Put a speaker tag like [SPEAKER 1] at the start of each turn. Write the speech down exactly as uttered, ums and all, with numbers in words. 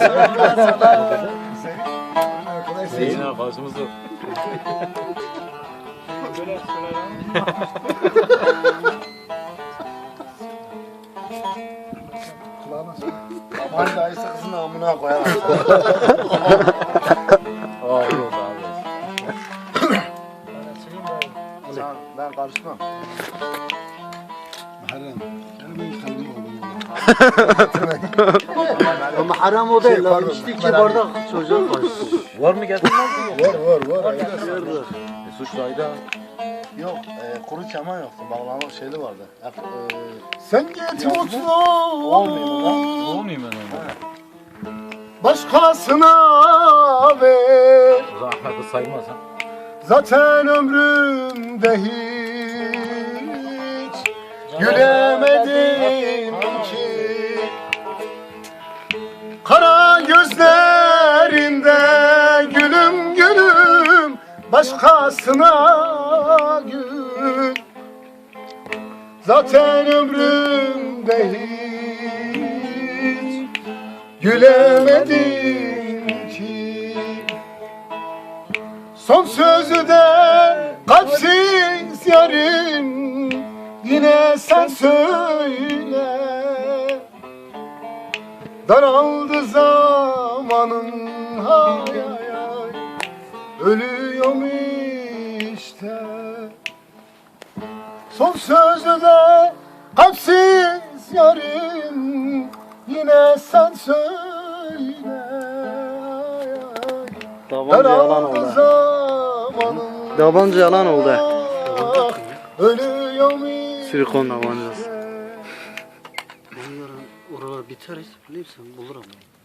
[SPEAKER 1] Zeyn arkadaşımız yok.
[SPEAKER 2] Aman dayısı kızın amına koyar.
[SPEAKER 1] Aa yok abi.
[SPEAKER 2] Sen, ben karışmam.
[SPEAKER 3] Ama haram o değil lan. İçti iki bardak çocuğa karıştı.
[SPEAKER 1] Var mı getirmez mi?
[SPEAKER 2] Var var var.
[SPEAKER 1] E, suç sayda.
[SPEAKER 2] Yok, e, kuru keman yoktu. Bağlama şeyli vardı. Hep, e, sen git mutlu olmuyor mu lan?
[SPEAKER 1] Olmayayım ben onu.
[SPEAKER 2] Başkasına ver.
[SPEAKER 1] O zaman Ahmet'i saymaz ha.
[SPEAKER 2] Zaten ömrümde hiç gülemedim ki. Kara gözlerinde gülüm gülüm başkasına gül. Zaten ömrümde hiç gülemedim ki. Son sözü de kalpsiz yarın yine sen söyle. Daraldı zamanın hay hay hay, ölüyorum işte. Son sözü de kalpsiz yarın yine sen söyle.
[SPEAKER 3] Tabanca yalan oldu. Tabanca yalan oldu.
[SPEAKER 2] Ölüyorum
[SPEAKER 3] Silikon tabancası. Onların oralar biter hiç bilirsen bulur ama.